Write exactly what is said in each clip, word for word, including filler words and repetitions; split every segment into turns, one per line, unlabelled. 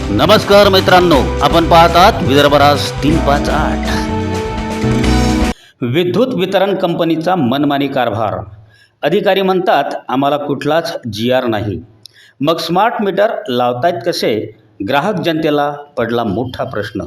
नमस्कार मित्रांनो, आपण पाहतात विदर्भराज तीन पाच आठ. विद्युत वितरण कंपनीचा मनमानी कारभार. अधिकारी म्हणतात आम्हाला कुठलाच जी आर नाही. मग स्मार्ट मीटर लावतायत कसे? ग्राहक जनतेला पडला मोठा प्रश्न.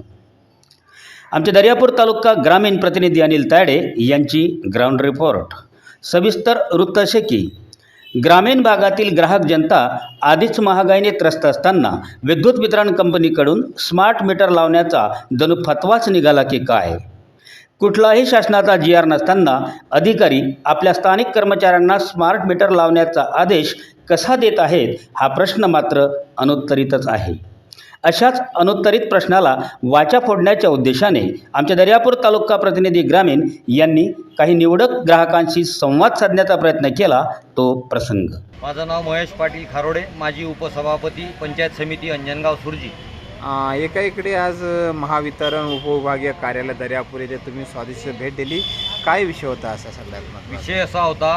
आमचे दर्यापूर तालुका ग्रामीण प्रतिनिधी अनिल तायडे यांची ग्राउंड रिपोर्ट. सविस्तर वृत्त असे की ग्रामीण भागातील ग्राहक जनता आधीच महागाईने त्रस्त असताना विद्युत वितरण कंपनीकडून स्मार्ट मीटर लावण्याचा जणू फतवाच निघाला की काय? कुठलाही शासनाचा जी आर नसताना अधिकारी आपल्या स्थानिक कर्मचाऱ्यांना स्मार्ट मीटर लावण्याचा आदेश कसा देत आहेत हा प्रश्न मात्र अनुत्तरितच आहे. अशाच अनुत्तरित प्रश्नाला वाचा फोडण्याच्या उद्देशाने आमच्या दर्यापूर तालुका प्रतिनिधी ग्रामीण यांनी काही निवडक ग्राहकांशी संवाद साधण्याचा प्रयत्न केला. तो प्रसंग.
माझं नाव महेश पाटील खारोडे, माजी उपसभापती, पंचायत समिती अंजनगाव सुरजी.
एका इकडे आज महावितरण उपविभागीय कार्यालय दर्यापूर येथे तुम्ही स्वादिष्ट भेट दिली. काय विषय होता असा सगळ्यात?
विषय असा होता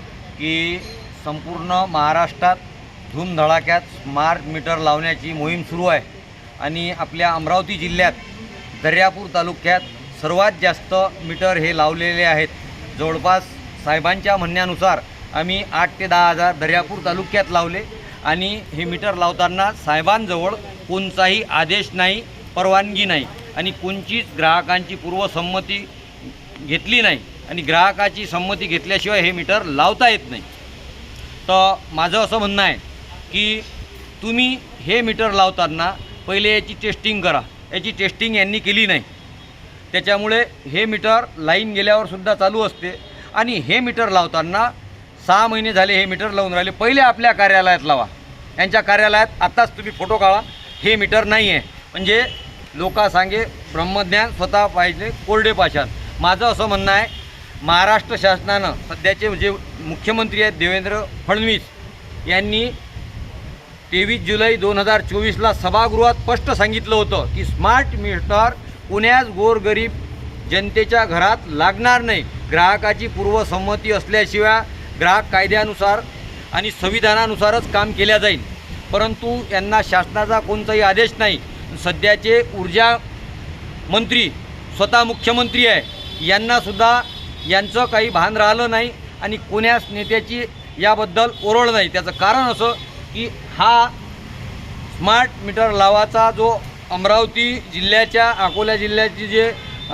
की संपूर्ण महाराष्ट्रात धूमधडाक्यात स्मार्ट मीटर लावण्याची मोहीम सुरू आहे आणि आपल्या अमरावती जिल्ह्यात दर्यापूर तालुक्यात सर्वात जास्त मीटर हे लावलेले आहेत. जवळपास साहेबांच्या म्हणण्यानुसार आम्ही आठ ते दहा हजार दर्यापूर तालुक्यात लावले आणि हे मीटर लावताना साहेबांजवळ कोणताही आदेश नाही, परवानगी नाही आणि कोणतीच ग्राहकांची पूर्वसंमती घेतली नाही आणि ग्राहकाची संमती घेतल्याशिवाय हे मीटर लावता येत नाही. तर माझं असं म्हणणं आहे की तुम्ही हे मीटर लावताना पहिले याची टेस्टिंग करा. याची टेस्टिंग यांनी केली नाही, त्याच्यामुळे हे मीटर लाईन गेल्यावर सुद्धा चालू असते आणि हे मीटर लावताना सहा महिने झाले हे मीटर लावून राहिले. पहिले आपल्या कार्यालयात लावा. यांच्या कार्यालयात आत्ताच तुम्ही फोटो काढा, हे मीटर नाही आहे. म्हणजे लोका सांगे ब्रह्मज्ञान स्वतः पाहिजे कोरडे पाषाण. माझं असं म्हणणं आहे, महाराष्ट्र शासनानं सध्याचे जे मुख्यमंत्री आहेत देवेंद्र फडणवीस यांनी तेवीस जुलै दोन हजार चोवीसला सभागृहात स्पष्ट सांगितलं होतं की स्मार्ट मीटर पुण्यात गोरगरीब जनतेच्या घरात लागणार नाही. ग्राहकाची पूर्वसंमती असल्याशिवाय ग्राहक कायद्यानुसार आणि संविधानानुसारच काम केल्या जाईल. परंतु यांना शासनाचा कोणताही आदेश नाही. सध्याचे ऊर्जा मंत्री स्वतः मुख्यमंत्री आहे, यांनासुद्धा यांचं काही भान राहिलं नाही आणि कोण्याच नेत्याची याबद्दल ओरड नाही. त्याचं कारण असं की हा स्मार्ट मीटर लावाचा जो अमरावती जिल्ह्याच्या अकोला जिल्ह्याची जे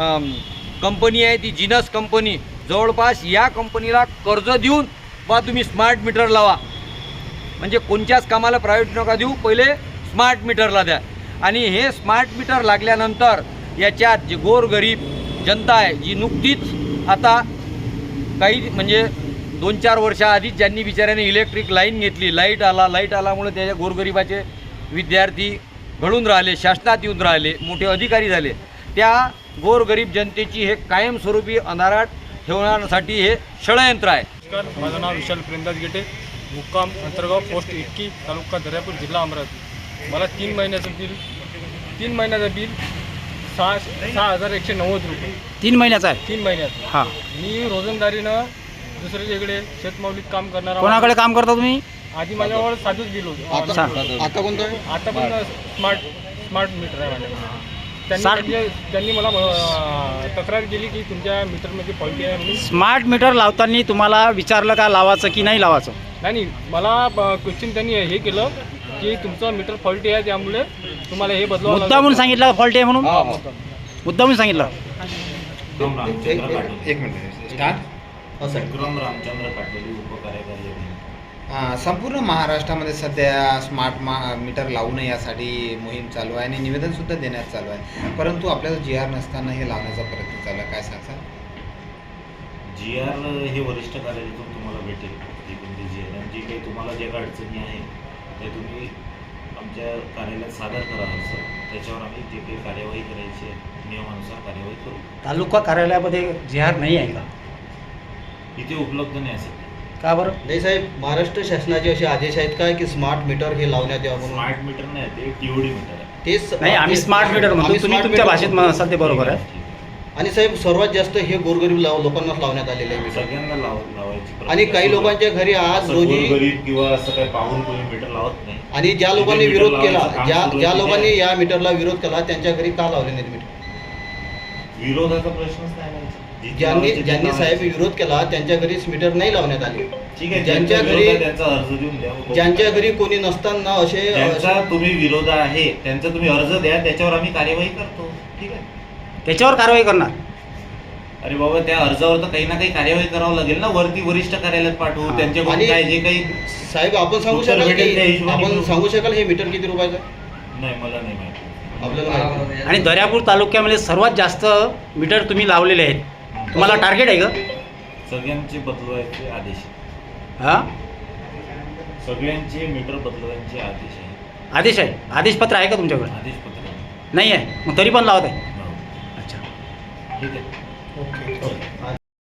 कंपनी आहे ती जिनस कंपनी, जवळपास या कंपनीला कर्ज देऊन बा तुम्ही स्मार्ट मीटर लावा. म्हणजे कोणत्याच कामाला प्रायव्हेट नका देऊ, पहिले स्मार्ट मीटरला द्या. आणि हे स्मार्ट मीटर लागल्यानंतर याच्यात जे गोरगरीब जनता आहे जी नुकतीच आता काही म्हणजे दोन चार वर्षाआधीच ज्यांनी बिचाऱ्याने इलेक्ट्रिक लाईन घेतली, लाईट आला लाईट आल्यामुळे त्याच्या गोरगरिबाचे विद्यार्थी घडून राहिले, शासनात येऊन राहिले, मोठे अधिकारी झाले. त्या गोरगरीब जनतेची हे कायमस्वरूपी अंधारात ठेवण्यासाठी हे षडयंत्र आहे.
नमस्कार, माझं नाव विशाल प्रेमदास गेटे, मुक्काम अंतर्गाव, पोस्ट इटकी, तालुका दर्यापूर, जिल्हा अमरावती. मला तीन महिन्याचं बिल तीन महिन्याचं बिल सहा सहा हजार एकशे नव्वद रुपये
तीन महिन्याचा आहे.
तीन महिन्याचं.
हां,
मी रोजंदारीनं दुसऱ्या इकडे शेतमावलीत काम करणार.
कोणाकडे काम करता तुम्ही?
आधी माझ्यावर साधंच बिल होतं.
आता कोणतं आहे?
आता पण स्मार्ट स्मार्ट मीटर आहे माझ्याकडे. त्यांनी म्हणजे त्यांनी मला अं, तक्रार केली की तुमच्या मीटरमध्ये फॉल्टी आहे म्हणून.
स्मार्ट मीटर लावताना तुम्हाला विचारलं का लावायचं की नाही लावायचं?
नाही नाही, मला क्वेश्चन त्यांनी हे केलं की तुमचं मीटर फॉल्टी आहे, त्यामुळे तुम्हाला हे बदलावं लागेल.
मुद्दामून सांगितलं फॉल्टी आहे म्हणून? मुद्दामून सांगितलं.
एक मिनिट स्टार्ट.
विक्रम रामचंद्र पाटील, उपकार्यकारी अभियंता.
संपूर्ण महाराष्ट्रामध्ये सध्या स्मार्ट मा मीटर लावू नये यासाठी मोहीम चालू आहे आणि निवेदनसुद्धा देण्यात चालू आहे. परंतु आपल्याला जी आर नसताना हे लावण्याचा प्रयत्न चालू आहे. काय सांगता?
जी आर हे वरिष्ठ कार्यालयातून तुम्हाला भेटेल. जी कोणती जी आर जी काही तुम्हाला ज्या काही अडचणी आहे ते तुम्ही आमच्या कार्यालयात सादर करा अर्ज. त्याच्यावर आम्ही जे काही कार्यवाही करायची आहे नियमानुसार कार्यवाही करू.
तालुका कार्यालयामध्ये जी आर नाही आहे का?
इथे उपलब्ध नाही असेल.
का बरं?
नाही साहेब, महाराष्ट्र शासनाचे असे आदेश आहेत काय की स्मार्ट मीटर हे लावण्यात यावं म्हणून?
स्मार्ट मीटर नाही, ते टीओडी मीटर आहे.
तेच
नाही, आम्ही स्मार्ट मीटर म्हणतो, तुम्ही तुमच्या भाषेत म्हणसाल ते बरोबर आहे.
आणि साहेब सर्वात जास्त हे गोरगरीब लाव लोकांनाच लावण्यात आलेले आहे मीटर.
सगळ्यांना लाव लावायची प्रक्रिया
आणि काही
सुरू आहे.
लोकांच्या घरी आज
असं
रोजी
गोरगरीब किंवा असं काही पाहून कोणी मीटर लावत नाही.
आणि ज्या
जिथे
लोकांनी
मीटर
विरोध केला
लावायचं काम
ज्या
सुरू आहे
ज्या
तिथे
लोकांनी या मीटरला विरोध केला त्यांच्या घरी का लावले नाहीत मीटर?
विरोधाचा प्रश्नच नाही ना. जिथे
ज्यांनी
लावायचे
ज्यांनी
तिथे
साहेब
लावायचे.
विरोध केला त्यांच्या घरीच मीटर नाही लावण्यात आले.
ठीक आहे,
ज्यांच्या
ज्यांचा
घरी-
विरोध आहे त्यांचा अर्ज देऊन द्या.
ज्यांच्या घरी कोणी नसताना असे
ज्यांचा तुम्ही विरोध आहे त्यांचा तुम्ही अर्ज द्या, त्याच्यावर आम्ही कार्यवाही करतो. ठीक आहे.
त्याच्यावर कारवाई करणार.
अरे बाबा, त्या अर्जावर तर काही ना काही कार्यवाही करावं लागेल ना. वरती वरिष्ठ कार्यालयात पाठवू, त्यांच्याकडून
आणि-
काय जे काही.
साहेब आपण सांगू
उत्तर
शकाल
भेटेल त्या
की
हिशोबाने
आपण
करू.
सांगू शकाल हे मीटर किती रुपयाचं आहे?
नाही, मला नाही माहिती.
आपल्याला माहिती नाही.
आणि दर्यापूर तालुक्यामध्ये सर्वात जास्त मीटर तुम्ही लावलेले आहेत. तुम्हाला टार्गेट आहे का?
सगळ्यांचे बदलवायचे आदेश आहे.
हां,
सगळ्यांचे मीटर बदलवायचे आदेश आहे.
आदेश आहे. आदेशपत्र आहे का तुमच्याकडे?
आदेश पत्र आहे.
नाही आहे, मग तरी पण लावत आहे.
हो.
अच्छा.
ठीक आहे.
ओके.